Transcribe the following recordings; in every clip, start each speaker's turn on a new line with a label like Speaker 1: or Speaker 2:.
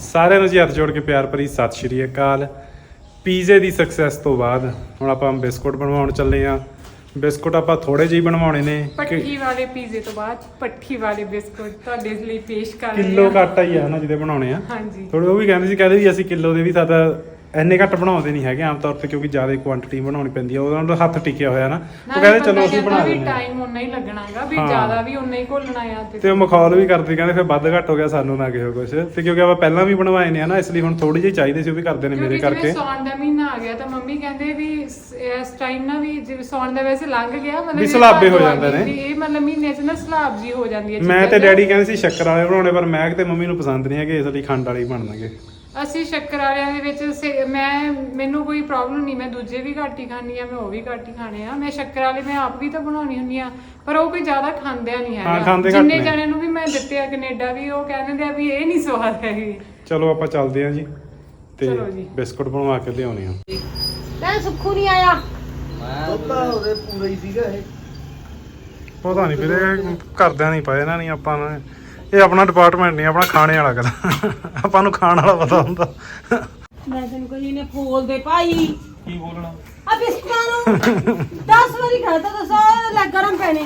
Speaker 1: ਸਾਰਿਆਂ ਨੂੰ ਜੀ ਹੱਥ ਜੋੜ ਕੇ ਪਿਆਰ ਭਰੀ ਸਤਿ ਸ਼੍ਰੀ ਅਕਾਲ। ਪੀਜ਼ੇ ਦੀ ਸਕਸੈਸ ਤੋਂ ਬਾਅਦ ਹੁਣ ਆਪਾਂ ਬਿਸਕੁਟ ਬਣਵਾਉਣ ਚੱਲੇ ਆ। ਬਿਸਕੁਟ ਆਪਾਂ ਥੋੜੇ ਜਿਹੇ ਬਣਵਾਉਣੇ ਨੇ।
Speaker 2: ਪੱਠੀ ਵਾਲੇ ਪੀਜ਼ੇ ਤੋਂ ਬਾਅਦ ਪੱਠੀ ਵਾਲੇ ਬਿਸਕੁਟ ਤੁਹਾਡੇ ਲਈ ਪੇਸ਼ ਕਰ ਰਹੇ ਹਾਂ।
Speaker 1: ਕਿਲੋ ਆਟਾ ਹੀ ਆ ਨਾ ਜਿਹਦੇ ਬਣਾਉਣੇ ਆ।
Speaker 2: ਹਾਂਜੀ
Speaker 1: ਥੋੜੇ ਉਹ ਵੀ ਕਹਿੰਦੇ ਵੀ ਅਸੀਂ ਕਿਲੋ ਦੇ ਵੀ ਸਾਡਾ ਇੰਨੇ ਘੱਟ ਬਣਾਉਂਦੇ ਨਹੀਂ ਹੈਗੇ ਆਮ ਤੌਰ ਤੇ, ਕਿਉਂਕਿ ਜ਼ਿਆਦਾ ਕੁਆਂਟੀਟੀ ਬਣਾਉਣੀ ਪੈਂਦੀ ਆ। ਉਹਦਾ ਹੱਥ ਟਿਕਿਆ ਹੋਇਆ ਨਾ, ਉਹ ਕਹਿੰਦੇ ਚਲੋ ਅਸੀਂ ਬਣਾ ਲੈਂਦੇ ਹਾਂ।
Speaker 2: ਟਾਈਮ ਉਨਾ ਹੀ ਲੱਗਣਾਗਾ ਵੀ ਜ਼ਿਆਦਾ ਵੀ ਉਨਾ ਹੀ ਘੋਲਣਾ ਆ
Speaker 1: ਤੇ ਉਹ ਮਖੌਲ ਵੀ ਕਰਦੇ ਕਹਿੰਦੇ ਫਿਰ ਵੱਧ ਘੱਟ ਹੋ ਗਿਆ ਸਾਨੂੰ ਨਾ ਕਿਹੋ ਕੁਛ। ਤੇ ਕਿਉਂਕਿ ਆਪਾਂ ਪਹਿਲਾਂ ਵੀ ਬਣਵਾਏ ਨੇ ਨਾ, ਇਸ ਲਈ ਹੁਣ ਥੋੜੀ ਜਿਹੀ ਚਾਹੀਦੇ ਸੀ, ਉਹ ਵੀ ਕਰਦੇ ਨੇ ਮੇਰੇ ਕਰਕੇ।
Speaker 2: ਸੌਣ ਦਾ ਮਹੀਨਾ ਆ ਗਿਆ ਤਾਂ ਮੰਮੀ ਕਹਿੰਦੇ ਵੀ ਇਸ ਟਾਈਮ ਨਾ ਵੀ ਜਿਵੇਂ ਸੌਣ ਦਾ ਵੈਸੇ ਲੰਘ ਗਿਆ, ਮਤਲਬ
Speaker 1: ਵੀ ਸਲਾਬੇ ਹੋ ਜਾਂਦੇ ਨੇ
Speaker 2: ਇਹ ਮਤਲਬ ਮਹੀਨੇ 'ਚ ਨਾ ਸਲਾਬ ਜੀ ਹੋ ਜਾਂਦੀ ਹੈ।
Speaker 1: ਮੈਂ ਤੇ ਡੈਡੀ ਕਹਿੰਦੇ ਸੀ ਸ਼ੱਕਰ ਵਾਲੇ ਬਣਾਉਣੇ, ਪਰ ਮੈਂ ਤੇ ਮੰਮੀ ਨੂੰ ਪਸੰਦ ਨਹੀਂ ਹੈਗੇ, ਇਸ ਲਈ ਖੰਡ ਵਾਲੇ ਹੀ ਬਣਨਗੇ।
Speaker 2: ਅਸੀਂ ਸ਼ੱਕਰ ਵਾਲਿਆਂ ਦੇ ਵਿੱਚ ਮੈਨੂੰ ਕੋਈ ਪ੍ਰੋਬਲਮ ਨਹੀਂ, ਮੈਂ ਦੂਜੇ ਵੀ ਘੱਟ ਹੀ ਖਾਂਦੀ ਆ, ਮੈਂ ਉਹ ਵੀ ਘੱਟ ਹੀ ਖਾਣੇ ਆ। ਮੈਂ ਸ਼ੱਕਰ ਵਾਲੇ ਮੈਂ ਆਪ ਵੀ ਤਾਂ ਬਣਾਉਣੀ ਹੁੰਦੀ ਆ, ਪਰ ਉਹ ਕੋਈ ਜ਼ਿਆਦਾ ਖਾਂਦਿਆ ਨਹੀਂ ਹੈਗਾ। ਜਿੰਨੇ ਜਣਿਆਂ ਨੂੰ ਵੀ ਮੈਂ ਦਿੱਤੇ ਆ ਕੈਨੇਡਾ ਵੀ, ਉਹ ਕਹਿੰਦੇ ਆ ਵੀ ਇਹ ਨਹੀਂ ਸਵਾਦ ਹੈਗੀ।
Speaker 1: ਚਲੋ ਆਪਾਂ ਚੱਲਦੇ ਆ ਜੀ ਤੇ ਬਿਸਕੁਟ ਬਣਵਾ ਕੇ ਲਿਆਉਣੇ ਆ।
Speaker 3: ਮੈਂ ਸੁੱਖੂ ਨਹੀਂ ਆਇਆ,
Speaker 4: ਪਤਾ ਉਹਦੇ ਪੂਰਾ ਹੀ ਸੀਗਾ ਇਹ।
Speaker 1: ਪਤਾ ਨਹੀਂ ਵੀਰੇ, ਘਰਦਿਆਂ ਨਹੀਂ ਪਾਏ ਨਾ, ਨਹੀਂ ਆਪਾਂ ਨੇ। ਇਹ ਆਪਣਾ ਡਿਪਾਰਟਮੈਂਟ ਨਹੀਂ, ਆਪਣਾ ਖਾਣੇ ਵਾਲਾ ਕਰ। ਆਪਾਂ ਨੂੰ ਖਾਣ ਵਾਲਾ ਪਤਾ ਹੁੰਦਾ।
Speaker 3: ਮੈਂ ਤੈਨੂੰ ਕੋਈ ਨੇ ਫੋਲ ਦੇ ਭਾਈ
Speaker 4: ਕੀ ਬੋਲਣਾ
Speaker 3: ਆ ਬਿਸਕੁਟਾਂ ਨੂੰ 10 ਵਾਰੀ ਖਾਤਾ ਦੱਸੋ ਲੈ ਗਰਮ ਪੈਣੇ,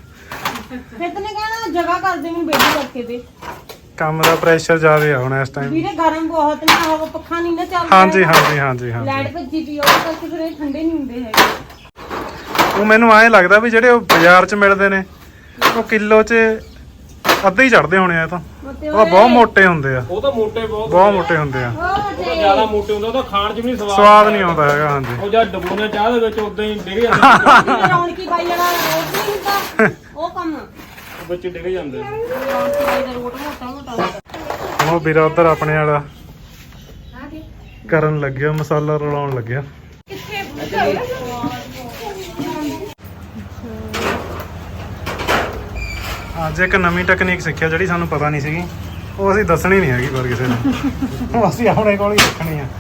Speaker 3: ਫਿਰ ਤੈਨੂੰ ਕਹਿਣਾ ਜਗ੍ਹਾ ਕਰ ਦੇ ਮੈਨੂੰ ਬੇਟੀ ਕਰਕੇ ਦੇ।
Speaker 1: ਕੰਮ ਦਾ ਪ੍ਰੈਸ਼ਰ ਜ਼ਿਆਦਾ ਆ ਹੁਣ ਇਸ ਟਾਈਮ
Speaker 3: ਵੀਰੇ ਗਰਮ ਬਹੁਤ ਨੇ, ਹਵਾ ਪੱਖਾ ਨਹੀਂ ਨਾ ਚੱਲਦਾ।
Speaker 1: ਹਾਂਜੀ ਹਾਂਜੀ ਹਾਂਜੀ ਹਾਂਜੀ।
Speaker 3: ਲਾਈਟ ਭੱਜੀ ਪਈ ਉਹਦੇ ਕਰਕੇ ਫਿਰ ਇਹ ਠੰਡੇ ਨਹੀਂ ਹੁੰਦੇ ਹੈਗੇ।
Speaker 1: ਉਹ ਮੈਨੂੰ ਐਂ ਲੱਗਦਾ ਵੀ ਜਿਹੜੇ ਉਹ ਬਾਜ਼ਾਰ 'ਚ ਮਿਲਦੇ ਨੇ ਉਹ ਕਿਲੋ 'ਚ ਅੱਧੇ ਹੀ ਚੜਦੇ ਹੋਣੇ ਆ। ਤਾਂ ਉਹ ਬਹੁਤ ਮੋਟੇ ਹੁੰਦੇ ਆ,
Speaker 4: ਉਹ ਤਾਂ ਮੋਟੇ ਬਹੁਤ
Speaker 1: ਮੋਟੇ ਹੁੰਦੇ ਆ।
Speaker 3: ਉਹ ਤੇ
Speaker 4: ਜ਼ਿਆਦਾ ਮੋਟੇ ਹੁੰਦੇ, ਉਹ ਤਾਂ ਖਾਣ 'ਚ ਵੀ ਨਹੀਂ
Speaker 1: ਸਵਾਦ ਨਹੀਂ ਆਉਂਦਾ ਹੈਗਾ। ਹਾਂਜੀ
Speaker 4: ਉਹ ਜਦ ਡਬੂਨੇ ਚਾਹ ਦੇ ਵਿੱਚ ਉਦਾਂ ਹੀ ਡਿੱਗ ਜਾਂਦੇ।
Speaker 3: ਰੌਣਕੀ ਬਾਈ ਵਾਲਾ ਰੋਟ ਨਹੀਂ ਹੁੰਦਾ ਉਹ ਕੰਮ,
Speaker 4: ਵਿੱਚ ਡਿੱਗ ਜਾਂਦੇ।
Speaker 3: ਰੌਣਕੀ ਬਾਈ ਦਾ ਰੋਟ ਮੋਟਾ ਮੋਟਾ।
Speaker 1: ਉਹ ਵੀਰਾ ਉੱਧਰ ਆਪਣੇ ਵਾਲਾ ਕਰਨ ਲੱਗਿਆ, ਮਸਾਲਾ ਰਲਾਉਣ ਲੱਗਿਆ। ਅੱਜ ਇੱਕ ਨਵੀਂ ਟੈਕਨੀਕ ਸਿੱਖਿਆ ਜਿਹੜੀ ਸਾਨੂੰ ਪਤਾ ਨਹੀਂ ਸੀਗੀ, ਉਹ ਅਸੀਂ ਦੱਸਣੀ ਨਹੀਂ ਹੈਗੀ ਪਰ ਕਿਸੇ ਨੂੰ। ਉਹ ਅਸੀਂ ਆਪਣੇ ਕੋਲ ਹੀ ਰੱਖਣੀ ਆ।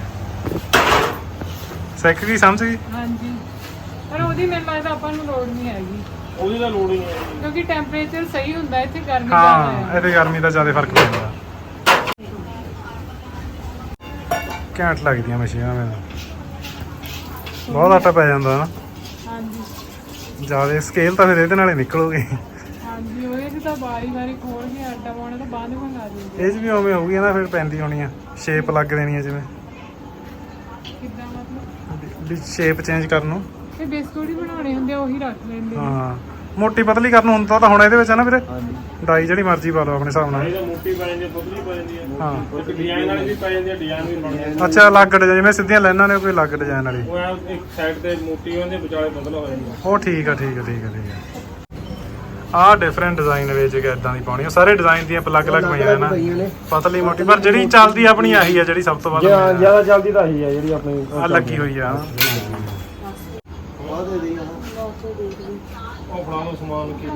Speaker 1: ਸਿੱਖ ਗਈ, ਸਮਝ ਗਈ।
Speaker 2: ਹਾਂਜੀ, ਪਰ ਉਹਦੀ ਮੈਨੂੰ ਲੱਗਦਾ ਆਪਾਂ ਨੂੰ ਲੋੜ ਨਹੀਂ ਹੈਗੀ,
Speaker 4: ਉਹਦੀ ਤਾਂ ਲੋੜ ਹੀ ਨਹੀਂ ਹੈ,
Speaker 2: ਕਿਉਂਕਿ ਟੈਂਪਰੇਚਰ ਸਹੀ ਹੁੰਦਾ ਇੱਥੇ, ਗਰਮੀ ਜ਼ਿਆਦਾ
Speaker 1: ਹਾਂ,
Speaker 2: ਹੈ।
Speaker 1: ਇਹਦੇ ਗਰਮੀ ਦਾ ਜ਼ਿਆਦਾ ਫਰਕ ਪੈਂਦਾ। ਘੈਂਟ ਲੱਗਦੀਆਂ ਮਸ਼ੀਨਾਂ ਮੈਨੂੰ, ਬਹੁਤ ਆਟਾ ਪੈ ਜਾਂਦਾ ਨਾ।
Speaker 2: ਹਾਂਜੀ
Speaker 1: ਜ਼ਿਆਦਾ ਸਕੇਲ ਤਾਂ ਫਿਰ ਇਹਦੇ ਨਾਲੇ ਨਿਕਲੂਗੀ।
Speaker 2: ਹਾਂਜੀ, ਉਹਦੇ 'ਚ ਤਾਂ ਵਾਰੀ ਖੋਲ ਕੇ ਆਟਾ ਪਾਉਣਾ ਤਾਂ ਬਾਅਦ ਮੰਗਾ ਦਿੰਦੇ।
Speaker 1: ਇਹ 'ਚ ਵੀ ਉਵੇਂ ਹੋਊਗੀ ਨਾ, ਫਿਰ ਪੈਂਦੀ ਹੋਣੀ ਆ, ਸ਼ੇਪ ਲੱਗ ਦੇਣੀ ਆ ਜਿਵੇਂ,
Speaker 2: ਕਿੱਦਾਂ ਮਤਲਬ
Speaker 1: ਵੀ ਸ਼ੇਪ ਚੇਂਜ ਕਰਨ ਨੂੰ।
Speaker 2: ਇਹ ਬਿਸਕੁਟ ਹੀ ਬਣਾਉਣੇ ਹੁੰਦੇ ਆ, ਉਹੀ ਰੱਖ ਲੈਂਦੇ ਆ।
Speaker 1: ਹਾਂ, ਮੋਟੀ ਪਤਲੀ ਕਰਨ ਨੂੰ ਹੁੰਦਾ ਤਾਂ ਹੁਣ ਇਹਦੇ ਵਿੱਚ ਹੈ ਨਾ ਵੀਰੇ।
Speaker 4: ਹਾਂਜੀ
Speaker 1: ਡਾਈ ਜਿਹੜੀ ਮਰਜ਼ੀ ਪਾ ਲਓ ਆਪਣੇ ਹਿਸਾਬ ਨਾਲ।
Speaker 4: ਇਹ ਤਾਂ ਮੋਟੀ ਪੈ ਜਾਂਦੀ, ਪਤਲੀ ਪੈ ਜਾਂਦੀ ਹੈ।
Speaker 1: ਹਾਂ,
Speaker 4: ਉਹ ਡਿਜ਼ਾਈਨ ਵਾਲੀ ਵੀ ਪੈ ਜਾਂਦੀ ਹੈ, ਡਿਜ਼ਾਈਨ ਵੀ ਬਣ ਜਾਂਦੇ।
Speaker 1: ਅੱਛਾ, ਅਲੱਗ ਡਿਜ਼ਾਈਨ, ਜਿਵੇਂ ਸਿੱਧੀਆਂ ਲਾਈਨਾਂ ਨੇ ਕੋਈ ਅਲੱਗ ਡਿਜ਼ਾਈਨ ਵਾਲੀ।
Speaker 4: ਉਹ ਐਂ ਇੱਕ ਸਾਈਡ ਤੇ ਮੋਟੀ ਹੁੰਦੀ, ਵਿਚਾਲੇ ਪਤਲਾ ਹੋ ਜਾਂਦਾ।
Speaker 1: ਉਹ ਠੀਕ ਆ ਠੀਕ ਆ ਠੀਕ ਆ ਠੀਕ ਆ। ਆਹ ਡਿਫਰੈਂਟ ਡਿਜ਼ਾਈਨ ਵਿੱਚ ਇਦਾਂ ਦੀ ਪਾਉਣੀ, ਉਹ ਸਾਰੇ ਡਿਜ਼ਾਈਨ ਦੀਆਂ ਅਲੱਗ-ਅਲੱਗ ਪਈਆਂ ਨੇ, ਪਤਲੀ ਮੋਟੀ। ਪਰ ਜਿਹੜੀ ਚੱਲਦੀ ਆਪਣੀ ਆਹੀ ਆ, ਜਿਹੜੀ ਸਭ ਤੋਂ ਵੱਧ
Speaker 4: ਜ਼ਿਆਦਾ ਚੱਲਦੀ ਤਾਂ ਆਹੀ ਆ ਜਿਹੜੀ ਆਪਣੀ
Speaker 1: ਆ ਲੱਗੀ ਹੋਈ ਆ।
Speaker 4: ਉਹ ਫੜਾ ਲਓ ਸਮਾਨ ਕੀ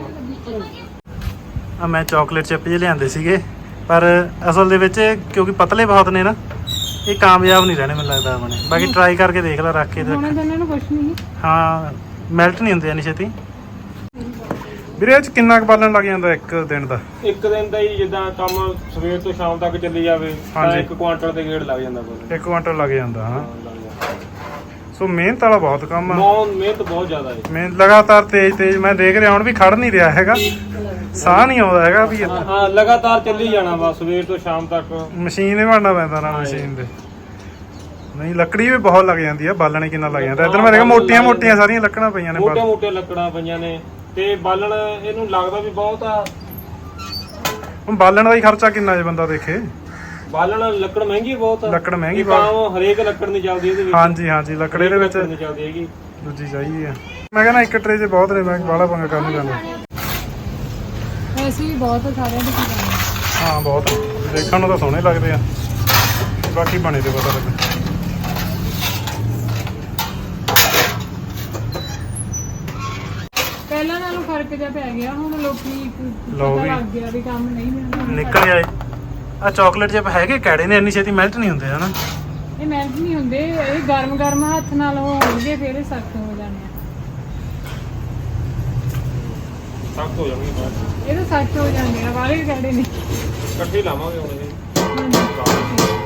Speaker 1: ਆ ਮੈਂ ਚਾਕਲੇਟ ਚਿਪ ਜਿਹੇ ਲਿਆਂਦੇ ਸੀਗੇ, ਪਰ ਅਸਲ ਦੇ ਵਿੱਚ ਕਿਉਂਕਿ ਪਤਲੇ ਬਹੁਤ ਨੇ ਨਾ, ਇਹ ਕਾਮਯਾਬ ਨਹੀਂ ਰਹਿਣੇ ਮੈਨੂੰ ਲੱਗਦਾ ਆਪਣੇ। ਬਾਕੀ ਟਰਾਈ ਕਰਕੇ ਦੇਖ ਲੈ, ਰੱਖ ਕੇ ਦੇਖ।
Speaker 2: ਉਹਨਾਂ ਨੂੰ ਕੁਝ ਨਹੀਂ,
Speaker 1: ਹਾਂ, ਮੈਲਟ ਨਹੀਂ ਹੁੰਦੇ ਇੰਨੀ ਛੇਤੀ। ਵੀਰੇ ਇਹ 'ਚ ਕਿੰਨਾ ਕੁ ਬਾਲਣ ਲੱਗ ਜਾਂਦਾ ਇੱਕ ਦਿਨ ਦਾ?
Speaker 4: ਇੱਕ ਦਿਨ ਦਾ ਹੀ, ਜਿੱਦਾਂ ਕੰਮ ਸਵੇਰ ਤੋਂ ਸ਼ਾਮ ਤੱਕ ਚੱਲੀ ਜਾਵੇ ਤਾਂ 1 ਕੁਆਂਟਲ ਦੇ ਗੇੜ ਲੱਗ ਜਾਂਦਾ ਬਸ।
Speaker 1: 1 ਕੁਆਂਟਲ ਲੱਗ ਜਾਂਦਾ। ਹਾਂ, ਸੋ ਮਿਹਨਤ ਵਾਲਾ ਬਹੁਤ ਕੰਮ ਆ।
Speaker 4: ਮਿਹਨਤ ਬਹੁਤ ਜ਼ਿਆਦਾ ਹੈ।
Speaker 1: ਮਿਹਨਤ ਲਗਾਤਾਰ ਤੇਜ਼ ਮੈਂ ਦੇਖ ਰਿਹਾ ਹੁਣ ਵੀ ਖੜ ਨਹੀਂ ਰਿਹਾ ਹੈਗਾ, ਸਾਹ ਨਹੀਂ ਆਉਂਦਾ ਹੈਗਾ ਵੀ।
Speaker 4: ਹਾਂ, ਲਗਾਤਾਰ ਚੱਲੀ ਜਾਣਾ ਬਸ ਸਵੇਰ ਤੋਂ ਸ਼ਾਮ ਤੱਕ।
Speaker 1: ਮਸ਼ੀਨ ਹੀ ਬਣਨਾ ਪੈਂਦਾ ਨਾ, ਮਸ਼ੀਨ ਦੇ ਨਹੀਂ। ਲੱਕੜੀ ਵੀ ਬਹੁਤ ਲੱਗ ਜਾਂਦੀ ਆ, ਬਾਲਣ ਕਿੰਨਾ ਲੱਗ ਜਾਂਦਾ। ਇੱਧਰ ਮੈਂ ਦੇਖਿਆ ਮੋਟੀਆਂ ਸਾਰੀਆਂ ਲੱਕੜਾਂ ਪਈਆਂ ਨੇ,
Speaker 4: ਮੋਟੇ ਲੱਕੜਾਂ ਪਈਆਂ ਨੇ, ਤੇ ਬਾਲਣ ਇਹਨੂੰ ਲੱਗਦਾ ਵੀ ਬਹੁਤ ਆ।
Speaker 1: ਹੁਣ ਬਾਲਣ ਦਾ ਹੀ ਖਰਚਾ ਕਿੰਨਾ ਜੇ ਬੰਦਾ ਦੇਖੇ।
Speaker 4: ਬਾਲਣ ਲੱਕੜ ਮਹਿੰਗੀ ਬਹੁਤ ਆ।
Speaker 1: ਲੱਕੜ ਮਹਿੰਗੀ
Speaker 4: ਬਹੁਤ, ਹਰੇਕ ਲੱਕੜ ਨਹੀਂ ਚੱਲਦੀ ਇਹਦੇ ਵਿੱਚ।
Speaker 1: ਹਾਂਜੀ ਲੱਕੜ ਇਹਦੇ ਵਿੱਚ
Speaker 4: ਨਹੀਂ ਚੱਲਦੀ ਹੈਗੀ,
Speaker 1: ਦੂਜੀ ਚਾਹੀਦੀ ਆ। ਮੈਂ ਕਹਿੰਦਾ ਇੱਕ ਟਰੇ 'ਚ ਬਹੁਤ ਨੇ, ਮੈਂ ਬਾਹਲਾ ਪੰਗਾ ਕਰਨ ਨਹੀਂ ਜਾਂਦਾ।
Speaker 2: ਵੈਸੇ ਵੀ ਬਹੁਤ ਸਾਰਿਆਂ ਦੇ ਕੀ
Speaker 1: ਹਾਂ, ਬਹੁਤ ਦੇਖਣ ਨੂੰ ਤਾਂ ਸੋਹਣੇ ਲੱਗਦੇ ਆ, ਬਾਕੀ ਬਣੇ ਤੇ ਪਤਾ ਲੱਗੇ।
Speaker 2: ਪਹਿਲਾਂ ਨਾਲੋਂ ਫਰਕ ਜਿਹਾ ਪੈ ਗਿਆ, ਹੁਣ ਲੋਕੀ
Speaker 1: ਲਓ
Speaker 2: ਪਤਾ
Speaker 1: ਵੀ।
Speaker 2: ਲੱਗ ਗਿਆ ਵੀ ਕੰਮ ਨਹੀਂ ਮਿਲਦਾ।
Speaker 1: ਨਿਕਲ ਆਏ ਆ ਚਾਕਲੇਟ ਜਿਹਾ ਹੈਗੇ ਕੈੜੇ ਨੇ, ਇੰਨੀ ਛੇਤੀ ਮੈਲਟ ਨਹੀਂ ਹੁੰਦੇ ਹਨਾ।
Speaker 2: ਇਹ ਮਿਹਨਤ ਨਹੀਂ ਹੁੰਦੇ, ਇਹ ਗਰਮ ਹੱਥ ਨਾਲ ਹੋਣਗੇ ਫਿਰ ਇਹ ਸਖਤ ਹੋ ਜਾਣੇ ਆ।
Speaker 4: ਸਖਤ ਹੋ ਜਾਣਗੇ ਬਾਅਦ ਚ।
Speaker 2: ਇਹ ਤਾਂ ਸਖਤ ਹੋ ਜਾਂਦੇ ਆ, ਵਾਲੇ ਕੈੜੇ ਨੇ।
Speaker 4: ਇਕੱਠੇ ਲਾਵਾਂਗੇ ਹੁਣ ਇਹ।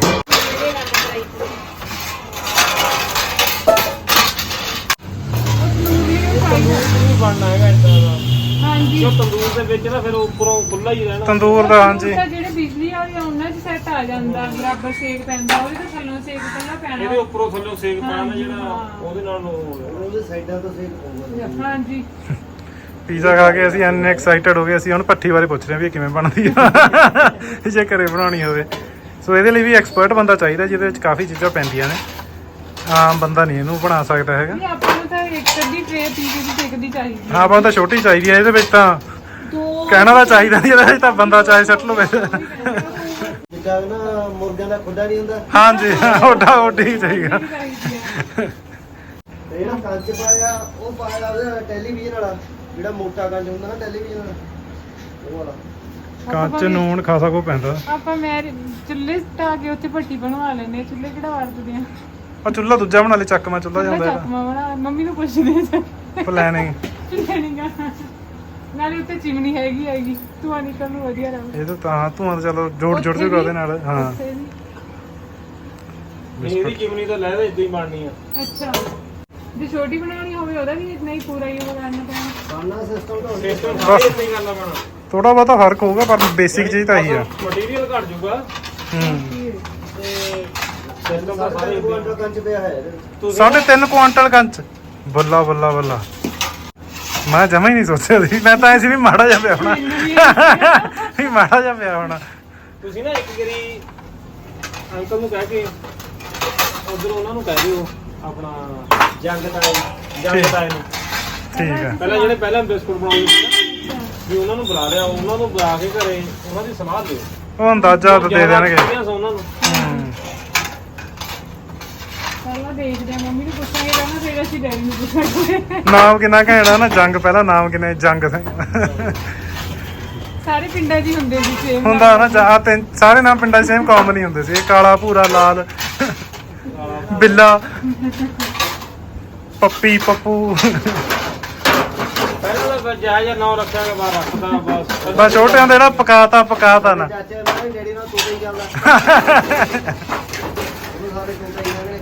Speaker 4: ਦੇ ਵਿੱਚ ਨਾ ਫਿਰ ਉੱਪਰੋਂ ਖੁੱਲਾ ਹੀ ਰਹਿਣਾ।
Speaker 1: ਤੰਦੂਰ ਦਾ ਹਾਂਜੀ
Speaker 2: ਤਾਂ ਜਿਹੜੇ ਬਿਜਲੀ ਵਾਲੇ ਆ ਉਹਨਾਂ 'ਚ ਸੈੱਟ ਆ ਜਾਂਦਾ, ਬਰਾਬਰ ਸੇਕ ਪੈਂਦਾ, ਉਹਦੇ ਤਾਂ ਥੱਲੋਂ ਸੇਕ ਪਹਿਲਾਂ ਪੈਣਾ।
Speaker 4: ਇਹਦੇ ਉੱਪਰੋਂ ਥੱਲੋਂ ਸੇਕ ਪੈਣਾ ਜਿਹੜਾ ਉਹਦੇ ਨਾਲ
Speaker 5: ਉਹਦੇ ਸਾਈਡਾਂ ਤੋਂ ਸੇਕ ਪਊਗਾ।
Speaker 2: ਹਾਂਜੀ
Speaker 1: ਪੀਜ਼ਾ ਖਾ ਕੇ ਅਸੀਂ ਇੰਨੇ ਐਕਸਾਈਟਡ ਹੋ ਗਏ, ਅਸੀਂ ਹੁਣ ਭੱਠੀ ਬਾਰੇ ਪੁੱਛ ਰਹੇ ਹਾਂ ਵੀ ਇਹ ਕਿਵੇਂ ਬਣਦੀ ਆ ਜੇ ਘਰੇ ਬਣਾਉਣੀ ਹੋਵੇ। ਸੋ ਇਹਦੇ ਲਈ ਵੀ ਐਕਸਪਰਟ ਬੰਦਾ ਚਾਹੀਦਾ ਜਿਹਦੇ ਵਿੱਚ ਕਾਫੀ ਚੀਜ਼ਾਂ ਪੈਂਦੀਆਂ ਨੇ, ਆਮ ਬੰਦਾ ਨਹੀਂ ਇਹਨੂੰ ਬਣਾ ਸਕਦਾ ਹੈਗਾ।
Speaker 2: ਨਹੀਂ ਆਪਾਂ ਨੂੰ ਤਾਂ ਇੱਕ ਅੱਧੀ ਟ੍ਰੇ ਪੀਜ਼ੇ ਦੀ ਟਿਕ ਦੀ ਚਾਹੀਦੀ
Speaker 1: ਹਾਂ ਆਪਾਂ ਨੂੰ ਤਾਂ ਛੋਟੀ ਚਾਹੀਦੀ ਹੈ, ਇਹਦੇ ਵਿੱਚ ਤਾਂ
Speaker 3: ਦੋ
Speaker 1: ਕਹਿਣਾ ਤਾਂ ਚਾਹੀਦਾ ਨਹੀਂ, ਇਹਦੇ ਵਿੱਚ ਤਾਂ ਬੰਦਾ ਚਾਹੇ ਸੱਟ ਲਵੇ।
Speaker 5: ਜਿੱਦਾਂ ਨਾ ਮੁਰਗਿਆਂ ਦਾ ਖੁੱਡਾ ਨਹੀਂ ਹੁੰਦਾ,
Speaker 1: ਹਾਂਜੀ ਓਡਾ ਓਡੀ ਚਾਹੀਦਾ।
Speaker 2: ਚਾਹੀਦੀ ਹੈ।
Speaker 5: ਤੇ ਜਿਹੜਾ ਕੰਚ ਪਾਇਆ ਉਹ ਪਾਇਆ ਉਹਦਾ ਟੈਲੀਵਿਜ਼ਨ ਵਾਲਾ, ਜਿਹੜਾ ਮੋਟਾ ਕੰਚ ਹੁੰਦਾ ਨਾ ਟੈਲੀਵਿਜ਼ਨ ਵਾਲਾ, ਉਹ ਵਾਲਾ।
Speaker 1: ਕੱਚ ਨੂਣ ਖਾਸਾ ਕੋ ਪੈਂਦਾ।
Speaker 2: ਆਪਾਂ ਮੈਂ ਚੁੱਲ੍ਹੇ ਢਾ ਕੇ ਉੱਥੇ ਭੱਟੀ ਬਣਵਾ ਲੈਨੇ, ਚੁੱਲ੍ਹੇ ਕਿਹੜਾ ਵਰਤਦੇ ਆ।
Speaker 1: ਆ ਚੁੱਲ੍ਹਾ ਦੂਜਾ ਬਣਾ ਲੈ, ਚੱਕਵਾਂ ਚੁੱਲ੍ਹਾ ਜਾਂਦਾ
Speaker 2: ਚੱਕਮਾ ਬਣਾ, ਮੰਮੀ ਨੂੰ ਪੁੱਛਦੇ
Speaker 1: ਇਹਦਾ ਪਲੈਨਿੰਗ।
Speaker 2: ਲੈਣੀਗਾ ਨਾਲੇ ਉੱਤੇ ਚਿਮਨੀ ਹੈਗੀ ਧੂਆਂ ਨਿਕਲ ਨੂੰ ਵਧੀਆ ਰਹੂ।
Speaker 1: ਇਹ ਤਾਂ ਧੂਆਂ ਤਾਂ ਚਲੋ ਜੋੜ ਜੂਗਾ ਉਹਦੇ ਨਾਲ। ਹਾਂ
Speaker 4: ਇਹਦੀ ਚਿਮਨੀ ਤਾਂ ਲੈ ਦੇ ਇਦਾਂ ਹੀ ਬਣਨੀ ਆ।
Speaker 2: ਅੱਛਾ ਜੇ ਛੋਟੀ ਬਣਾਉਣੀ ਹੋਵੇ ਉਹਦਾ ਵੀ ਇਤਨਾ ਹੀ ਪੂਰਾ ਹੀ ਉਹ ਕਰਨਾ ਪੈਣਾ।
Speaker 5: ਸਾਨਾ ਸਿਸਟਮ ਤਾਂ
Speaker 4: ਸਿਸਟਮ ਸਾਰੇ ਇਦਾਂ ਹੀ ਕਰਨਾ ਪੈਣਾ।
Speaker 1: ਥੋੜਾ ਬਹੁਤਾ ਫਰਕ ਹੋਊਗਾ ਪਰ ਬੇਸਿਕ ਚੀਜ਼ ਤਾਂ ਇਹੀ ਆ।
Speaker 4: ਮਟੀਰੀਅਲ ਘਟ ਜਾਊਗਾ
Speaker 1: ਹੂੰ
Speaker 4: ਤੇ ਸਿਸਟਮ ਤਾਂ ਸਾਰੇ
Speaker 5: ਕੁਆਂਟਲ ਕੰਚ ਪਿਆ ਹੈ ਇਹਦੇ ਵਿੱਚ।
Speaker 1: 3.5 ਕੁਆਂਟਲ ਕੰਚ। ਬੱਲਾ ਬੱਲਾ ਬੱਲਾ, ਮੈਂ ਜਮਾ ਹੀ ਨਹੀਂ ਸੋਚਿਆ ਸੀ। ਮੈਂ ਤਾਂ ਐਸੀ ਵੀ ਮਾੜਾ ਜਿਹਾ ਪਿਆ ਹੋਣਾ, ਵੀ ਮਾੜਾ ਜਿਹਾ ਪਿਆ ਹੋਣਾ।
Speaker 4: ਤੁਸੀਂ ਨਾ ਇੱਕ ਵਾਰੀ ਅੰਕਲ ਨੂੰ ਕਹਿ ਕੇ ਉਧਰ ਉਹਨਾਂ ਨੂੰ ਕਹਿ ਦਿਓ ਆਪਣਾ ਜੰਗ ਤਾਏ ਨੂੰ।
Speaker 1: ਠੀਕ ਹੈ।
Speaker 4: ਪਹਿਲਾਂ ਜਿਹੜੇ ਪਹਿਲਾਂ ਬਿਸਕੁਟ ਬਣਾਉਂਦੇ ਸੀ ਨਾ, ਵੀ ਉਹਨਾਂ ਨੂੰ ਬੁਲਾ ਲਿਆ, ਉਹਨਾਂ ਨੂੰ ਬੁਲਾ ਕੇ ਘਰੇ ਉਹਨਾਂ ਦੀ ਸਲਾਹ ਦਿਓ।
Speaker 1: ਉਹ ਅੰਦਾਜ਼ਾ ਤਾਂ ਦੇ ਦੇਣਗੇ।
Speaker 4: ਉਹਨਾਂ ਨੂੰ
Speaker 2: ਪਹਿਲਾਂ ਦੇਖਦੇ ਆ, ਮੰਮੀ ਨੂੰ ਪੁੱਛਾਂਗੇ ਪਹਿਲਾਂ, ਫਿਰ ਅਸੀਂ ਡੈਡੀ ਨੂੰ ਪੁੱਛਾਂਗੇ।
Speaker 1: ਨਾਮ ਕਿੰਨਾ ਘੈਂਟਾ ਨਾ, ਜੰਗ ਪਹਿਲਾਂ ਨਾਮ ਕਿੰਨੇ, ਜੰਗ ਸਿੰਘ
Speaker 2: ਸਾਰੇ ਪਿੰਡਾਂ 'ਚ ਹੀ ਹੁੰਦੇ ਸੀ ਸੇਮ
Speaker 1: ਹੁੰਦਾ ਨਾ। ਜਾਂ ਤਿੰਨ ਸਾਰੇ ਨਾਮ ਪਿੰਡਾਂ 'ਚ ਸੇਮ ਕਾਮਨ ਹੀ ਹੁੰਦੇ ਸੀ। ਇਹ ਕਾਲਾ, ਭੂਰਾ, ਲਾਲ, ਬਿੱਲਾ, ਪੱਪੀ, ਪੱਪੂ।
Speaker 4: ਪਹਿਲਾਂ ਤਾਂ ਜਾਇਜ਼ ਨਾਮ ਰੱਖਿਆ ਕੇ ਬਾਹਰ ਰੱਖਦਾ ਬਸ।
Speaker 1: ਬਸ ਛੋਟਿਆਂ ਦੇ ਜਿਹੜਾ ਪਕਾਤਾ ਨਾ।
Speaker 5: ਚਾਚੇ ਨਾਲ ਡੈਡੀ ਨਾਲ ਤੂੰ ਹੀ ਚੱਲਦਾ, ਉਹ ਸਾਰੇ ਕੋਲ ਹੀ ਨੇ।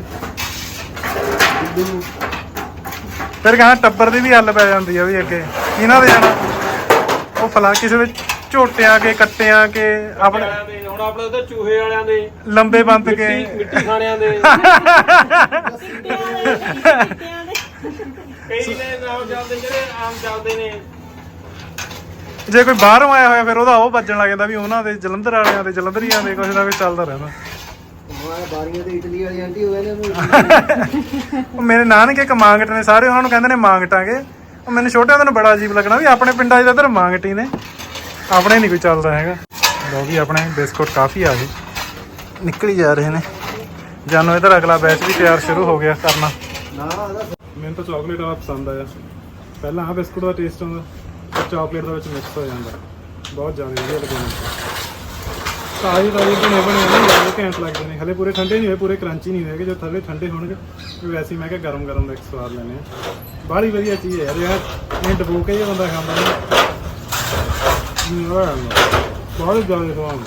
Speaker 1: ਫਿਰ ਕਹਾਂ ਟੱਬਰ ਦੀ ਵੀ ਹੱਲ ਪੈ ਜਾਂਦੀ ਆ ਵੀ ਅੱਗੇ ਇਹਨਾਂ ਦੇ ਜਾਣਾ। ਉਹ ਫਲਾ ਕਿਸੇ ਦੇ ਝੋਟਿਆਂ ਕੇ, ਕੱਟਿਆਂ ਕੇ, ਆਪਣੇ
Speaker 4: ਹੁਣ ਆਪਣੇ ਉਹਦੇ ਚੂਹੇ ਵਾਲਿਆਂ ਦੇ,
Speaker 1: ਲੰਬੇ ਬੰਦ ਕੇ,
Speaker 4: ਮਿੱਟੀ ਖਾਣਿਆਂ ਦੇ,
Speaker 3: ਸਿੱਟਿਆਂ ਦੇ
Speaker 4: ਕਈ ਨੇ ਨਾਮ ਚੱਲਦੇ ਜਿਹੜੇ ਆਮ ਚੱਲਦੇ ਨੇ।
Speaker 1: ਜੇ ਕੋਈ ਬਾਹਰੋਂ ਆਇਆ ਹੋਇਆ ਫਿਰ ਉਹਦਾ ਉਹ ਵੱਜਣ ਲੱਗ ਜਾਂਦਾ ਵੀ ਉਹਨਾਂ ਦੇ ਜਲੰਧਰ ਵਾਲਿਆਂ ਦੇ, ਜਲੰਧਰੀਆਂ ਦੇ, ਕੁਛ ਨਾ ਕੁਛ ਚੱਲਦਾ ਰਹਿੰਦਾ।
Speaker 5: ਹਮਾਰੇ ਬਾਰੀਆਂ ਤੇ ਇਟਲੀ ਵਾਲੀ ਆਂਟੀ ਹੋਏ ਨੇ।
Speaker 1: ਉਹ ਮੇਰੇ ਨਾਨਕੇ ਕਮਾਂਗਟ ਨੇ ਸਾਰੇ, ਉਹਨਾਂ ਨੂੰ ਕਹਿੰਦੇ ਨੇ ਮਾਂਗਟਾਂਗੇ। ਉਹ ਮੈਨੂੰ ਛੋਟਿਆਂ ਨੂੰ ਬੜਾ ਅਜੀਬ ਲੱਗਣਾ ਵੀ ਆਪਣੇ ਪਿੰਡਾਂ 'ਚ ਇੱਧਰ ਮਾਂਗਟੀ ਨੇ, ਆਪਣੇ ਨਹੀਂ ਕੋਈ ਚੱਲਦਾ ਹੈਗਾ। ਲਓ ਵੀ ਆਪਣੇ ਬਿਸਕੁਟ ਕਾਫੀ ਆ ਗਏ, ਨਿਕਲੀ ਜਾ ਰਹੇ ਨੇ। ਜਾਨੋ ਇੱਧਰ ਅਗਲਾ ਬੈਚ ਵੀ ਤਿਆਰ ਸ਼ੁਰੂ ਹੋ ਗਿਆ ਕਰਨਾ। ਮੈਨੂੰ ਤਾਂ ਚਾਕਲੇਟ ਵਾਲਾ ਪਸੰਦ ਆਇਆ। ਪਹਿਲਾਂ ਆਹ ਬਿਸਕੁਟ ਦਾ ਟੇਸਟ ਹੁੰਦਾ, ਪਰ ਚਾਕਲੇਟ ਦੇ ਵਿੱਚ ਮਿਕਸ ਹੋ ਜਾਂਦਾ, ਬਹੁਤ ਜ਼ਿਆਦਾ ਵਧੀਆ ਲੱਗਦਾ ਮੈਨੂੰ। ਤਾਜ਼ੇ ਬਣੇ ਨਹੀਂ ਲੱਗਦੇ, ਘੈਂਟ ਲੱਗਦੇ ਨੇ। ਹਲੇ ਪੂਰੇ ਠੰਡੇ ਨਹੀਂ ਹੋਏ, ਪੂਰੇ ਕਰੰਚੀ ਨਹੀਂ ਹੋਏਗੇ। ਜੋ ਥੱਲੇ ਠੰਡੇ ਹੋਣਗੇ ਵੈਸੇ ਮੈਂ ਕਿਹਾ ਗਰਮ ਦਾ ਇੱਕ ਸਵਾਦ ਲੈਣੇ ਆ। ਬਾਹਲੀ ਵਧੀਆ ਚੀਜ਼ ਹੈ ਯਾਰ, ਇਹ ਡਬੋ ਕੇ ਜੇ ਬੰਦਾ ਖਾਂਦਾ ਨਹੀਂ ਬਹੁਤ ਜ਼ਿਆਦਾ ਸਵਾਦ।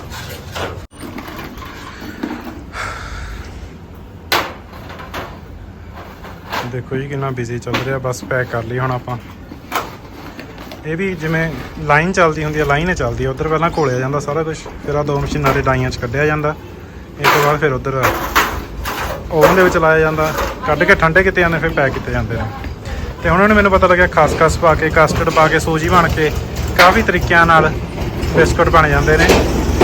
Speaker 1: ਦੇਖੋ ਜੀ ਕਿੰਨਾ ਬਿਜ਼ੀ ਚੱਲ ਰਿਹਾ। ਬਸ ਪੈਕ ਕਰ ਲਈ ਹੁਣ ਆਪਾਂ। ਇਹ ਵੀ ਜਿਵੇਂ ਲਾਈਨ ਚੱਲਦੀ ਹੁੰਦੀ ਹੈ, ਲਾਈਨ ਹੀ ਚੱਲਦੀ ਹੈ। ਉੱਧਰ ਪਹਿਲਾਂ ਘੋਲਿਆ ਜਾਂਦਾ ਸਾਰਾ ਕੁਝ, ਫਿਰ ਆਹ 2 ਮਸ਼ੀਨਾਂ ਦੇ ਡਾਈਆਂ 'ਚ ਕੱਢਿਆ ਜਾਂਦਾ। ਇਸ ਤੋਂ ਬਾਅਦ ਫਿਰ ਉੱਧਰ ਓਵਨ ਦੇ ਵਿੱਚ ਲਾਇਆ ਜਾਂਦਾ, ਕੱਢ ਕੇ ਠੰਡੇ ਕੀਤੇ ਜਾਂਦੇ, ਫਿਰ ਪੈਕ ਕੀਤੇ ਜਾਂਦੇ ਨੇ। ਤੇ ਹੁਣ ਮੈਨੂੰ ਪਤਾ ਲੱਗਿਆ ਖਸਖਸ ਪਾ ਕੇ, ਕਸਟਰਡ ਪਾ ਕੇ, ਸੂਜੀ ਬਣ ਕੇ ਕਾਫੀ ਤਰੀਕਿਆਂ ਨਾਲ ਬਿਸਕੁਟ ਬਣ ਜਾਂਦੇ ਨੇ।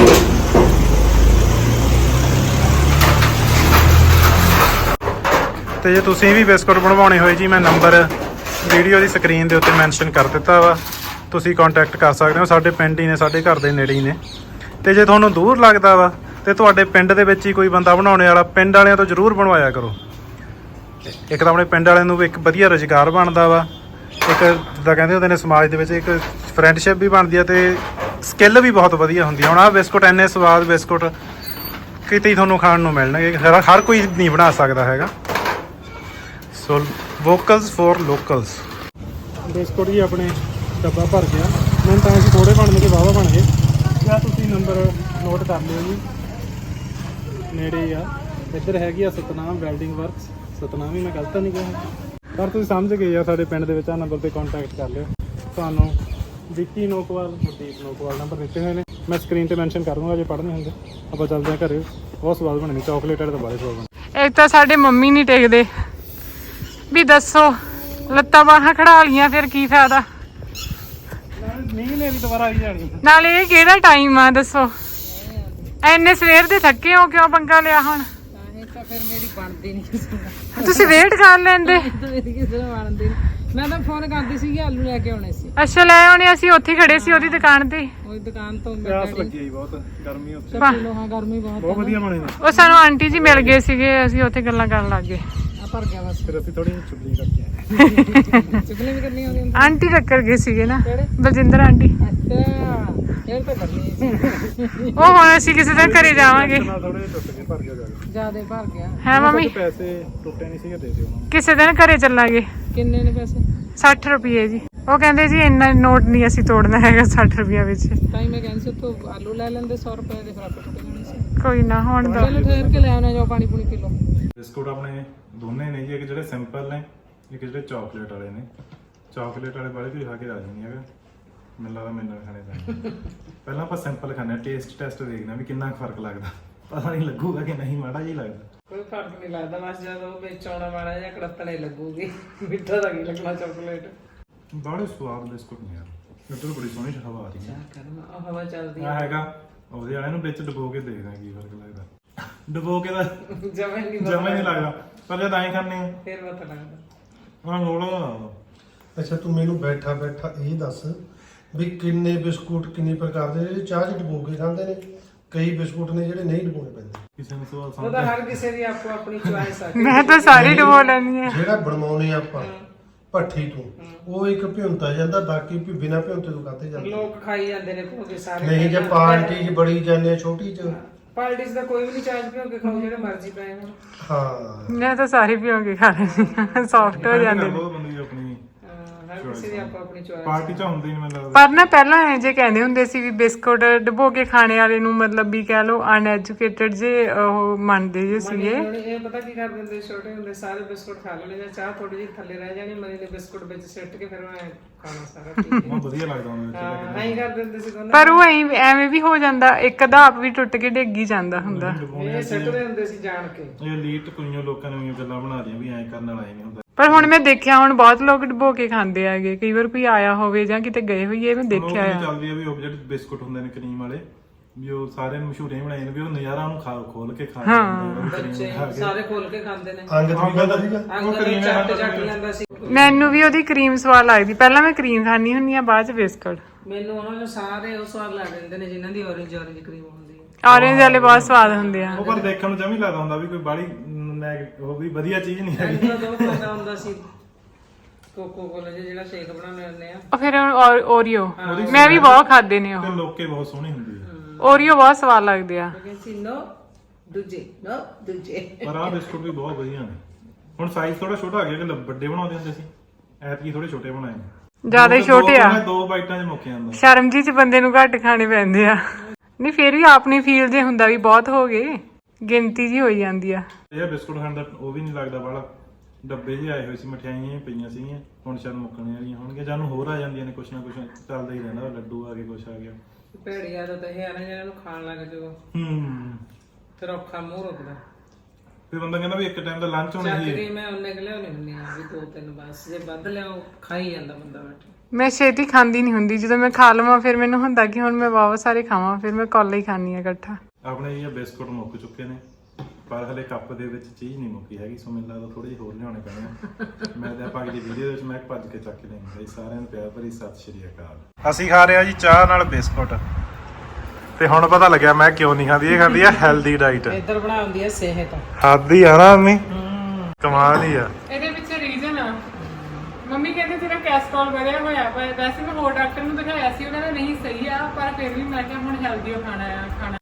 Speaker 1: ਤੇ ਜੇ ਤੁਸੀਂ ਵੀ ਬਿਸਕੁਟ ਬਣਵਾਉਣੇ ਹੋਏ ਜੀ, ਮੈਂ ਨੰਬਰ ਵੀਡੀਓ ਦੀ ਸਕਰੀਨ ਦੇ ਉੱਤੇ ਮੈਂਸ਼ਨ ਕਰ ਦਿੱਤਾ ਵਾ, ਤੁਸੀਂ ਕੰਟੈਕਟ ਕਰ ਸਕਦੇ ਹੋ। ਸਾਡੇ ਪਿੰਡ ਹੀ ਨੇ, ਸਾਡੇ ਘਰ ਦੇ ਨੇੜੇ ਹੀ ਨੇ। ਤੇ ਜੇ ਤੁਹਾਨੂੰ ਦੂਰ ਲੱਗਦਾ ਵਾ ਤੇ ਤੁਹਾਡੇ ਪਿੰਡ ਦੇ ਵਿੱਚ ਹੀ ਕੋਈ ਬੰਦਾ ਬਣਾਉਣੇ ਵਾਲਾ, ਪਿੰਡ ਵਾਲਿਆਂ ਤੋਂ ਜ਼ਰੂਰ ਬਣਵਾਇਆ ਕਰੋ। ਇੱਕ ਤਾਂ ਆਪਣੇ ਪਿੰਡ ਵਾਲਿਆਂ ਨੂੰ ਵੀ ਇੱਕ ਵਧੀਆ ਰੁਜ਼ਗਾਰ ਬਣਦਾ ਵਾ, ਇੱਕ ਜਿੱਦਾਂ ਕਹਿੰਦੇ ਹੁੰਦੇ ਨੇ ਸਮਾਜ ਦੇ ਵਿੱਚ ਇੱਕ ਫਰੈਂਡਸ਼ਿਪ ਵੀ ਬਣਦੀ ਆ, ਤੇ ਸਕਿੱਲ ਵੀ ਬਹੁਤ ਵਧੀਆ ਹੁੰਦੀ ਆ। ਹੁਣ ਆਹ ਬਿਸਕੁਟ ਇੰਨੇ ਸਵਾਦ ਬਿਸਕੁਟ ਕਿਤੇ ਹੀ ਤੁਹਾਨੂੰ ਖਾਣ ਨੂੰ ਮਿਲਣਗੇ, ਹਰ ਕੋਈ ਨਹੀਂ ਬਣਾ ਸਕਦਾ ਹੈਗਾ। So vocals for locals. Biscuit ਜੀ ਆਪਣੇ ਡੱਬਾ ਭਰ ਗਿਆ। ਮੈਨੂੰ ਤਾਂ ਅਸੀਂ ਥੋੜੇ ਬਣਨਗੇ, ਵਾਹਵਾ ਬਣ ਗਏ। ਜਾਂ ਤੁਸੀਂ ਨੰਬਰ ਨੋਟ ਕਰ ਲਿਓ ਜੀ, ਨੇੜੇ ਹੀ ਆ। ਇੱਧਰ ਹੈਗੀ ਆ ਸਤਨਾਮ ਵੈਲਡਿੰਗ ਵਰਕਸ। ਸਤਨਾਮ ਹੀ ਮੈਂ ਗਲਤ ਨਹੀਂ ਕਿਹਾ, ਪਰ ਤੁਸੀਂ ਸਮਝ ਗਏ ਆ। ਸਾਡੇ ਪਿੰਡ ਦੇ ਵਿੱਚ ਆ ਨੰਬਰ 'ਤੇ ਕੰਟੈਕਟ ਕਰ ਲਿਓ, ਤੁਹਾਨੂੰ ਵਿੱਕੀ ਨੋਕਵਾਲ ਮਨਦੀਪ ਨੋਕਵਾਲ ਨੰਬਰ ਦਿੱਤੇ ਹੋਏ ਨੇ, ਮੈਂ ਸਕਰੀਨ ਤੇ ਮੈਂਸ਼ਨ ਕਰ ਦੂੰਗਾ ਜੇ ਪੜ੍ਹਨੇ ਹੁੰਦੇ। ਆਪਾਂ ਚੱਲਦੇ ਹਾਂ ਘਰੇ। ਬਹੁਤ ਸਵਾਦ ਬਣੇ ਨੇ, ਚਾਕਲੇਟ ਵਾਲੇ ਤਾਂ ਬੜੇ ਸਵਾਦ ਬਣੇ।
Speaker 2: ਇੱਕ ਤਾਂ ਸਾਡੇ ਮੰਮੀ ਨਹੀਂ ਟਿਕਦੇ ਵੀ ਦੱਸੋ, ਲੱਤਾਂ ਬਾਹਾਂ ਖੜਾ ਲੀਆਂ ਫਿਰ ਕੀ ਫਾਇਦਾ।
Speaker 1: ਮੀਂਹ ਨੇ ਵੀ ਦੁਬਾਰਾ ਆਈ ਜਾਣੀ।
Speaker 2: ਨਾਲੇ ਇਹ ਕਿਹੜਾ ਟਾਈਮ ਆ ਦੱਸੋ, ਐਨੇ ਸਵੇਰ ਦੇ ਥੱਕੇ ਹੋ, ਕਿਉਂ ਪੰਗਾ ਲਿਆ ਹੁਣ?
Speaker 3: ਤਾਂ ਫਿਰ ਮੇਰੀ ਬਣਦੀ ਨਹੀਂ,
Speaker 2: ਤੁਸੀਂ ਵੇਟ ਕਰ ਲੈਂਦੇ।
Speaker 3: ਮੇਰੀ ਕਿਸੇ ਨੂੰ ਬਣਦੀ ਨਹੀਂ। ਮੈਂ ਤਾਂ ਫੋਨ ਕਰਦੀ ਸੀ ਆਲੂ ਲੈ ਕੇ ਆਉਣੇ ਸੀ।
Speaker 2: ਅੱਛਾ ਲੈ ਆਉਣੇ, ਅਸੀਂ ਉੱਥੇ ਖੜੇ ਸੀ ਉਹਦੀ ਦੁਕਾਨ ਤੇ।
Speaker 3: ਉਹ ਦੁਕਾਨ ਤੋਂ
Speaker 1: ਪਿਆਸ ਲੱਗੀ ਆਈ ਬਹੁਤ, ਗਰਮੀ ਉੱਥੇ
Speaker 3: ਲੋਹਾ ਗਰਮੀ ਬਹੁਤ
Speaker 1: ਵਧੀਆ ਬਣੇ ਨੇ।
Speaker 2: ਉਹ ਸਾਨੂੰ ਆਂਟੀ ਜੀ ਮਿਲ ਗਏ ਸੀਗੇ, ਅਸੀਂ ਉੱਥੇ ਗੱਲਾਂ ਕਰਨ ਲੱਗ ਗਏ।
Speaker 3: ਆ ਭਰ ਗਿਆ ਬਸ।
Speaker 1: ਫਿਰ ਅਸੀਂ ਥੋੜੀ ਚੁਗਲੀ ਕਰਕੇ ਆਏ।
Speaker 3: ਚੁਗਲੀ ਵੀ ਕਰਨੀ ਆਉਂਦੀ ਹੁੰਦੀ।
Speaker 2: ਆਂਟੀ ਟੱਕਰ ਗਏ ਸੀਗੇ ਨਾ,
Speaker 3: ਕਿਹੜੇ?
Speaker 2: ਬਲਜਿੰਦਰ ਆਂਟੀ।
Speaker 3: ਅੱਛਾ ਇਹ ਤਾਂ ਕਰਨੀ
Speaker 2: ਉਹ ਹੁਣ ਅਸੀਂ ਕਿਸੇ ਦਿਨ ਘਰੇ ਜਾਵਾਂਗੇ।
Speaker 1: ਥੋੜੇ ਟੁੱਟ ਗਏ, ਭਰ ਗਿਆ ਜਾ ਕੇ।
Speaker 3: ਜਿਆਦੇ ਭਰ ਗਿਆ।
Speaker 2: ਹੈ ਮੰਮੀ,
Speaker 1: ਪੈਸੇ ਟੁੱਟੇ ਨਹੀਂ ਸੀਗੇ, ਦੇ ਦਿਓ ਉਹਨਾਂ ਨੂੰ।
Speaker 2: ਕਿਸੇ ਦਿਨ ਘਰੇ ਚੱਲਾਂਗੇ।
Speaker 3: ਕਿੰਨੇ ਨੇ ਪੈਸੇ?
Speaker 2: 60 ਰੁਪਏ ਜੀ। ਉਹ ਕਹਿੰਦੇ ਜੀ ਇੰਨਾ ਨੋਟ ਨਹੀਂ ਅਸੀਂ ਤੋੜਨਾ ਹੈਗਾ 60 ਰੁਪਏ ਵਿੱਚ।
Speaker 3: ਤਾਂ ਹੀ ਮੈਂ ਕਹਿੰਦੀ ਸੀ ਉੱਥੋਂ ਆਲੂ ਲੈ ਲੈਂਦੇ 100 ਰੁਪਏ ਦੇ, ਫਿਰ ਆਪੇ ਟੁੱਟ ਜਾਣੇ ਸੀ।
Speaker 2: ਕੋਈ ਨਾ ਹੁਣ ਦਾ
Speaker 3: ਚਲੋ ਠਹਿਰ ਕੇ ਲੈ ਆਉਣਾ, ਜੋ ਪਾਣੀ ਪੂਣੀ ਪੀ ਲਓ।
Speaker 1: ਬਿਸਕੁਟ ਆਪਣੇ ਦੋਨੇ ਨੇ ਜੀ, ਇੱਕ ਜਿਹੜੇ ਸਿੰਪਲ ਨੇ, ਇੱਕ ਜਿਹੜੇ ਚਾਕਲੇਟ ਵਾਲੇ ਨੇ। ਚਾਕਲੇਟ ਵਾਲੇ ਬਾਰੇ ਕੋਈ ਖਾ ਕੇ ਰਾਜੀ ਨਹੀਂ ਹੈਗਾ, ਮੈਨੂੰ ਲੱਗਦਾ ਮੈਨੂੰ ਵੀ ਖਾਣੇ ਪੈਣੇ। ਪਹਿਲਾਂ ਆਪਾਂ ਸਿੰਪਲ ਖਾਣੇ, ਟੇਸਟ ਟੈਸਟ ਦੇਖਦੇ ਵੀ ਕਿੰਨਾ ਫਰਕ ਲੱਗਦਾ। ਪਤਾ ਨਹੀਂ ਲੱਗੂਗਾ ਕਿ ਨਹੀਂ, ਮਾੜਾ ਜਿਹਾ ਲੱਗਦਾ।
Speaker 3: ਕੋਈ ਫਰਕ ਨਹੀਂ ਲੱਗਦਾ, ਬਸ ਜਦੋਂ ਵਿੱਚ ਆਉਣਾ ਮਾੜਾ ਜਿਹਾ ਕੜੱਤਣੇ ਲੱਗੂਗੀ। ਮਿੱਠਾ ਤਾਂ ਕੀ ਲੱਗਣਾ ਚਾਕਲੇਟ।
Speaker 1: ਬੜੇ ਸਵਾਦ ਬਿਸਕੁਟ ਨੇ ਯਾਰ, ਇੱਧਰ ਬੜੀ ਸੋਹਣੀ ਹਵਾ ਆ ਰਹੀ ਹੈ।
Speaker 3: ਕਰਨਾ ਉਹ ਹਵਾ ਚੱਲਦੀ
Speaker 1: ਆ ਹੈਗਾ ਉਹਦੇ ਵਾਲੇ ਨੂੰ ਵਿੱਚ ਡੁਬੋ ਕੇ ਦੇਖਦਾ ਕੀ ਫਰਕ ਲੱਗਦਾ। ਡੁਬੋ ਕੇ ਤਾਂ
Speaker 3: ਜਮਾ ਹੀ ਨਹੀਂ
Speaker 1: ਜਮਾ ਹੀ ਨਹੀਂ ਲੱਗਦਾ, ਪਰ ਜਦ ਐਂ ਖਾਂਦੇ ਆ
Speaker 3: ਫਿਰ ਪਤਾ ਲੱਗਦਾ।
Speaker 1: ਹਾਂ ਲੋੜਾ।
Speaker 5: ਅੱਛਾ ਤੂੰ ਮੈਨੂੰ ਬੈਠਾ ਬੈਠਾ ਇਹ ਦੱਸ ਵੀ ਕਿੰਨੇ ਬਿਸਕੁਟ ਕਿੰਨੀ ਪ੍ਰਕਾਰ ਦੇ ਜਿਹੜੇ ਚਾਹ 'ਚ ਡੁਬੋ ਕੇ ਖਾਂਦੇ ਨੇ, ਕਈ ਬਿਸਕੁਟ ਨੇ ਜਿਹੜੇ ਨਹੀਂ ਡੁਬੋਣੇ ਪੈਂਦੇ।
Speaker 1: ਕਿਸੇ ਨੂੰ ਸਵਾਲ
Speaker 3: ਉਹ
Speaker 1: ਸਮਝ
Speaker 3: ਤਾਂ ਹਰ ਕਿਸੇ ਦੀ ਆਪੋ ਆਪਣੀ ਚੁਆਇਸ ਆ।
Speaker 2: ਮੈਂ ਤਾਂ ਸਾਰੀ ਡਬੋ ਲੈਣੀ ਆ।
Speaker 5: ਜਿਹੜਾ ਬਣਾਉਣੇ ਆਪਾਂ ਭੱਠੀ ਤੋਂ, ਉਹ ਇੱਕ ਭਿਉਂਤਾ ਜਾਂਦਾ, ਬਾਕੀ ਬਿਨਾ ਭਿਉਂਤੇ ਤੋਂ ਖਾਤੇ ਜਾਂਦੇ।
Speaker 3: ਲੋਕ ਖਾਈ ਜਾਂਦੇ ਨੇ ਭੋਗੇ ਸਾਰੇ।
Speaker 5: ਨਹੀਂ ਜੇ ਪਾਰਟੀ 'ਚ ਬੜੀ ਜਾਂਦੇ, ਛੋਟੀ 'ਚ
Speaker 3: ਪਾਰਟੀ 'ਚ ਤਾਂ ਕੋਈ ਵੀ ਨਹੀਂ ਚਾਰਜ ਭੋਗੇ ਖਾਓ, ਜਿਹੜੇ ਮਰਜ਼ੀ ਪਏ ਹੋਣ।
Speaker 5: ਹਾਂ
Speaker 2: ਮੈਂ ਤਾਂ ਸਾਰੀ ਪੀਓ ਕੇ ਖਾ ਲੈਣੀ, ਸੌਫਟ ਹੋ ਜਾਂਦੇ ਨੇ।
Speaker 1: ਬਹੁਤ ਬੰਦੀ ਆਪਣੀ
Speaker 3: ਹਰ ਕਿਸੇ ਦੀ ਆਪੋ ਆਪਣੀ ਚੁਆਇਸ।
Speaker 1: ਪਾਰਟੀ ਚ ਹੁੰਦੀ ਨਹੀਂ ਮੈਨੂੰ ਲੱਗਦਾ।
Speaker 2: ਪਰ ਨਾ ਪਹਿਲਾਂ ਇਹ ਜੇ ਕਹਿੰਦੇ ਹੁੰਦੇ ਸੀ ਵੀ ਬਿਸਕੁਟ ਡਬੋ ਕੇ ਖਾਣੇ ਵਾਲੇ ਨੂੰ ਮਤਲਬ ਵੀ ਕਹਿ ਲਓ ਅਨਐਜੂਕੇਟਡ ਜੇ ਉਹ ਮੰਨਦੇ ਜੇ ਸੀਗੇ।
Speaker 3: ਇਹ ਪਤਾ ਕੀ ਕਰ ਦਿੰਦੇ, ਛੋਟੇ ਹੁੰਦੇ ਸਾਰੇ ਬਿਸਕੁਟ ਖਾ ਲੈਣੇ, ਜਾਂ ਚਾਹ ਥੋੜੀ ਜਿਹੀ ਥੱਲੇ ਰਹਿ ਜਾਣੀ, ਮਨੀ ਦੇ ਬਿਸਕੁਟ ਵਿੱਚ ਸਿੱਟ ਕੇ ਫਿਰ ਮੈਂ ਖਾਣਾ ਸਾਰਾ।
Speaker 1: ਬਹੁਤ ਵਧੀਆ ਲੱਗਦਾ ਉਹਨੂੰ।
Speaker 3: ਹਾਂ ਐਂ ਕਰ ਦਿੰਦੇ ਸੀ ਦੋਨੋਂ।
Speaker 2: ਪਰ ਉਹ ਐਵੇਂ ਵੀ ਹੋ ਜਾਂਦਾ, ਇੱਕ ਅੱਧਾ ਆਪ ਵੀ ਟੁੱਟ ਕੇ ਡਿੱਗ ਹੀ ਜਾਂਦਾ ਹੁੰਦਾ।
Speaker 3: ਇਹ ਸਿੱਟਦੇ ਹੁੰਦੇ ਸੀ ਜਾਣ ਕੇ।
Speaker 1: ਇਹ ਲੀਟ ਕੁਈਆਂ ਲੋਕਾਂ ਨੇ ਵੀ ਗੱਲਾਂ ਬਣਾ ਰਹੀਆਂ ਵੀ ਐਂ ਕਰਨ ਵਾਲਾ ਹੀ ਨਹੀਂ ਹੁੰਦਾ।
Speaker 2: ਪਰ ਹੁਣ ਮੈਂ ਦੇਖਿਆ, ਹੁਣ ਬਹੁਤ ਲੋਕ ਡਬੋ ਕੇ ਖਾਂਦੇ ਹੈਗੇ। ਕਈ ਵਾਰ ਕੋਈ ਆਇਆ ਹੋਵੇ ਜਾਂ ਕਿਤੇ ਗਏ ਹੋਈਏ, ਮੈਂ ਦੇਖਿਆ ਆ।
Speaker 1: ਚੱਲਦੀ ਆ ਵੀ ਉਹ ਜਿਹੜੇ ਬਿਸਕੁਟ ਹੁੰਦੇ ਨੇ ਕਰੀਮ ਵਾਲੇ, ਵੀ ਉਹ ਸਾਰਿਆਂ ਨੂੰ ਮਸ਼ਹੂਰ ਹੀ ਬਣਾਏ ਨੇ ਵੀ ਉਹ ਨਜ਼ਾਰਾ ਉਹਨੂੰ ਖੋਲ ਕੇ ਖਾ
Speaker 3: ਬੱਚੇ ਸਾਰੇ ਖੋਲ ਕੇ ਖਾਂਦੇ ਨੇ।
Speaker 5: ਅੰਗ ਤੋਂ ਕਹਿੰਦਾ ਸੀਗਾ
Speaker 3: ਅੰਗ ਤੋਂ ਚੱਟ ਲੈਂਦਾ ਸੀ।
Speaker 2: ਮੈਨੂੰ ਵੀ ਉਹਦੀ ਕਰੀਮ ਸਵਾਦ ਲੱਗਦੀ। ਪਹਿਲਾਂ ਮੈਂ ਕਰੀਮ ਖਾਣੀ ਹੁੰਦੀ ਆ, ਬਾਅਦ ਚ ਬਿਸਕੁਟ।
Speaker 3: ਮੈਨੂੰ ਉਹਨਾਂ ਨੂੰ ਸਾਰੇ ਉਹ ਸਵਾਦ ਲੱਗ ਜਾਂਦੇ ਨੇ ਜਿਨ੍ਹਾਂ ਦੀ orange ਕਰੀਮ ਹੁੰਦੀ ਹੈ।
Speaker 2: ਔਰੇਂਜ ਵਾਲੇ ਬਹੁਤ ਸਵਾਦ ਹੁੰਦੇ ਆ।
Speaker 1: ਉਹ ਪਰ ਦੇਖਣ ਨੂੰ ਜਮੀ ਲੱਗਦਾ ਹੁੰਦਾ ਵੀ ਕੋਈ ਬਾੜੀ ਉਹ ਵੀ ਵਧੀਆ ਚੀਜ਼ ਨਹੀਂ ਹੈਗੀ।
Speaker 3: ਇਹਨਾਂ ਦਾ ਦੋ ਪਤਾ ਹੁੰਦਾ ਸੀ ਕੋਕੋ ਕੋਲਾ ਜਿਹੜਾ ਸ਼ੇਕ ਬਣਾਉਂਦੇ ਹੁੰਦੇ ਆ।
Speaker 2: ਉਹ ਫਿਰ ਓਰੀਓ ਮੈਂ ਵੀ ਬਹੁਤ ਖਾਦੇ ਨੇ। ਉਹ
Speaker 1: ਤੇ ਲੋਕੇ ਬਹੁਤ ਸੋਹਣੀ ਹੁੰਦੀ ਹੈ।
Speaker 2: ਓਰੀਓ ਬਹੁਤ ਸਵਾਦ ਲੱਗਦੇ ਆ।
Speaker 3: ਕਹਿੰਦੀ ਨੋ ਦੂਜੇ
Speaker 1: ਪਰ ਆਹ ਬਿਸਕੁਟ ਵੀ ਬਹੁਤ ਵਧੀਆ ਨੇ। ਹੁਣ ਸਾਈਜ਼ ਥੋੜਾ ਛੋਟਾ ਆ ਗਿਆ ਕਿ ਵੱਡੇ ਬਣਾਉਂਦੇ ਹੁੰਦੇ ਸੀ, ਐਤਕੀ ਥੋੜੇ ਛੋਟੇ ਬਣਾਏ ਨੇ।
Speaker 2: ਜ਼ਿਆਦਾ ਹੀ ਛੋਟੇ ਆ,
Speaker 1: ਦੋ ਬਾਈਟਾਂ 'ਚ ਮੁੱਕ ਜਾਂਦਾ।
Speaker 2: ਸ਼ਰਮ ਜੀ ਚ ਬੰਦੇ ਨੂੰ ਘੱਟ ਖਾਣੇ ਪੈਂਦੇ ਆ। ਨਹੀਂ ਫਿਰ ਵੀ ਆਪਣੀ ਫੀਲ ਜੇ ਹੁੰਦਾ ਵੀ ਬਹੁਤ ਹੋ ਗਏ, ਗਿਣਤੀ ਜੀ ਹੋਈ ਜਾਂਦੀ ਆ।
Speaker 1: ਇਹ ਬਿਸਕੁਟ ਖਾਣ ਦਾ ਉਹ ਵੀ ਨਹੀਂ ਲੱਗਦਾ ਬਾਲਾ। ਡੱਬੇ ਜਿਹੇ ਆਏ ਹੋਏ ਸੀ, ਮਠਿਆਈਆਂ ਪਈਆਂ ਸੀਗੀਆਂ, ਹੁਣ ਸ਼ਾਇਦ ਮੁੱਕਣੇ ਵਾਲੀਆਂ ਹੋਣਗੀਆਂ। ਜਾਨੂੰ ਹੋਰ ਆ ਜਾਂਦੀਆਂ ਨੇ, ਕੁਛ ਨਾ ਕੁਛ ਚੱਲਦਾ ਹੀ ਰਹਿੰਦਾ। ਲੱਡੂ ਆ ਗਏ, ਕੁਛ ਆ ਗਿਆ।
Speaker 3: ਭੈੜੀ ਆਦਤ ਇਹ ਆ ਨਾ ਜਿਹਨਾਂ ਨੂੰ ਖਾਣ ਲੱਗ ਜਾਓ ਫਿਰ ਔਖਾ ਮੂੰਹ ਰੁਕਦਾ।
Speaker 1: ਫਿਰ ਬੰਦਾ ਕਹਿੰਦਾ ਵੀ ਇੱਕ ਟਾਈਮ ਦਾ ਲੰਚ ਹੋਣਾ
Speaker 3: ਚੱਕ
Speaker 1: ਸੀ।
Speaker 3: ਕੇ ਮੈਂ ਉਹਨੇ ਕਿ ਲਿਆਉਣੀ ਹੁੰਦੀ ਆ ਵੀ 2-3 ਬਸ, ਜੇ ਵੱਧ ਲਿਆਓ ਖਾਈ ਜਾਂਦਾ ਬੰਦਾ ਬੈਠ।
Speaker 2: ਮੈਂ ਛੇਤੀ ਖਾਂਦੀ ਨਹੀਂ ਹੁੰਦੀ, ਜਦੋਂ ਮੈਂ ਖਾ ਲਵਾਂ ਫਿਰ ਮੈਨੂੰ ਹੁੰਦਾ ਕਿ ਹੁਣ ਮੈਂ ਵਾਵਾ ਸਾਰੇ ਖਾਵਾਂ, ਫਿਰ ਮੈਂ ਕੋਲਾ ਹੀ ਖਾਣੀ ਆ ਇਕੱਠਾ।
Speaker 1: ਆਪਣੇ ਇਹ ਬਿਸਕੁਟ ਮੁੱਕ ਚੁੱਕੇ ਨੇ, ਪਰ ਹਲੇ ਕੱਪ ਦੇ ਵਿੱਚ ਚੀਜ਼ ਨਹੀਂ ਮੁੱਕੀ ਹੈਗੀ, ਸੋ ਮੈਨੂੰ ਲੱਗਦਾ ਥੋੜੀ ਜਿਹੀ ਹੋਰ ਲਿਆਉਣੇ ਪੈਣੇ ਆ। ਮੈਂ ਤਾਂ ਆਪਾਂ ਅਗਲੀ ਵੀਡੀਓ ਦੇ ਵਿੱਚ ਮੈਂ ਭੱਜ ਕੇ ਚੱਕ ਲੈਂਦਾ। ਸਾਰਿਆਂ ਨੂੰ ਪਿਆਰ ਭਰੀ ਸਤਿ ਸ਼੍ਰੀ ਅਕਾਲ। ਅਸੀਂ ਖਾ ਰਹੇ ਆ ਜੀ ਚਾਹ ਨਾਲ ਬਿਸਕੁਟ, ਤੇ ਹੁਣ ਪਤਾ ਲੱਗਿਆ ਮੈਂ ਕਿਉਂ ਨਹੀਂ ਖਾਂਦੀ। ਇਹ ਖਾਂਦੀ ਆ ਹੈਲਦੀ ਡਾਈਟ।
Speaker 3: ਇੱਧਰ ਬਣਾਉਂਦੀ ਆ ਸਿਹਤ।
Speaker 1: ਖਾਦੀ ਆ ਨਾ ਮੰਮੀ, ਕਮਾਲ ਹੀ ਆ।
Speaker 2: ਇਹਦੇ ਪਿੱਛੇ ਰੀਜ਼ਨ ਆ, ਮੰਮੀ ਕਹਿੰਦੇ ਤੇਰਾ ਕੈਸਟਰੋਲ ਵਧਿਆ ਹੋਇਆ। ਪਰ ਵੈਸੇ ਮੈਂ ਹੋਰ ਡਾਕਟਰ ਨੂੰ ਦਿਖਾਇਆ ਸੀ, ਉਹਨਾਂ ਦਾ ਨਹੀਂ ਸਹੀ ਆ, ਪਰ ਫਿਰ ਵੀ ਮੈਂ ਕਿਹਾ ਹੁਣ ਹੈਲਦੀ ਖਾਣਾ ਆ।